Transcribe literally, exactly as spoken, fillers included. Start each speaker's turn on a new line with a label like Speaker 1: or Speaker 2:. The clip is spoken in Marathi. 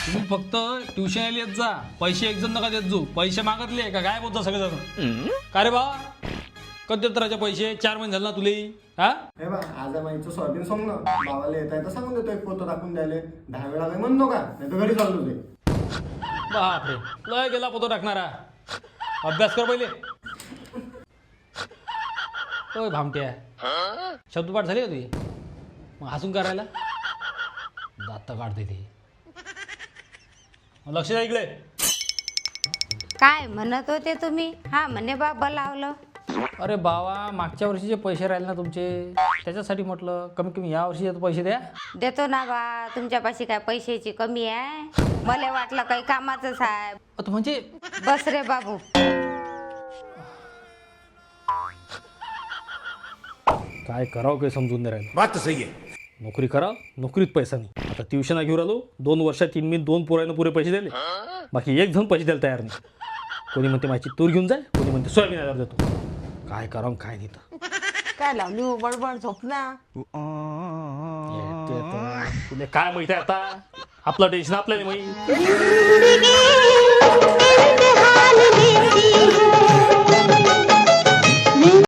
Speaker 1: तुम्ही फक्त ट्युशन येत जा, पैसे एक जण नका देत जाऊ. पैसे मागतले का काय बोलता सगळेजण? का रे बा कधी देत राहायचे पैसे? चार महिने झाले ना तुले. हा
Speaker 2: हे बा आज माहिती सोयाबीन सोंग ना बाबाला येत आहे तर सांगून देतो एक पोतं टाकून द्यायला. दहा वेळा काही म्हणतो का नाही तर घरी चाललो ते.
Speaker 1: बापरे लय गेला पोतो टाकणारा. अभ्यास कर पहिले. ओय भामट्या शब्दपाठ झाली का तुझी? मग हसून करायला दात काढते ते. लक्ष द्या इकडे.
Speaker 3: काय म्हणत होते तुम्ही? हा म्हणे बाबा लावलं.
Speaker 1: अरे बाबा मागच्या वर्षीचे पैसे राहिले ना तुमचे, त्याच्यासाठी म्हटलं कमी कमी या वर्षी पैसे द्या.
Speaker 3: देतो ना बा, तुमच्यापाशी काय पैशाची कमी आहे? मला वाटलं काही कामाचंच आहे.
Speaker 1: आता म्हणजे
Speaker 3: बस रे बाबू.
Speaker 1: काय करावं काही समजून नाही राहिलं.
Speaker 4: बात तो सही है.
Speaker 1: नोकरी करा, नोकरीत पैसा नाही. आता ट्युशन घेऊन आलो, दोन वर्षात तीन मी दोन पोरांना पुरे पैसे दिले, बाकी एक जण पैसे द्यायला तयार नाही. कोणी म्हणते माझी तूर घेऊन जाय, कोणी म्हणते सोयाबीन आल्यावर देतो. काय करावं काय नाही तर.
Speaker 5: काय लावली हो बडबड झोपला?
Speaker 1: तुला काय माहिती आहे आता? आपलं टेन्शन आपल्याला माहिती.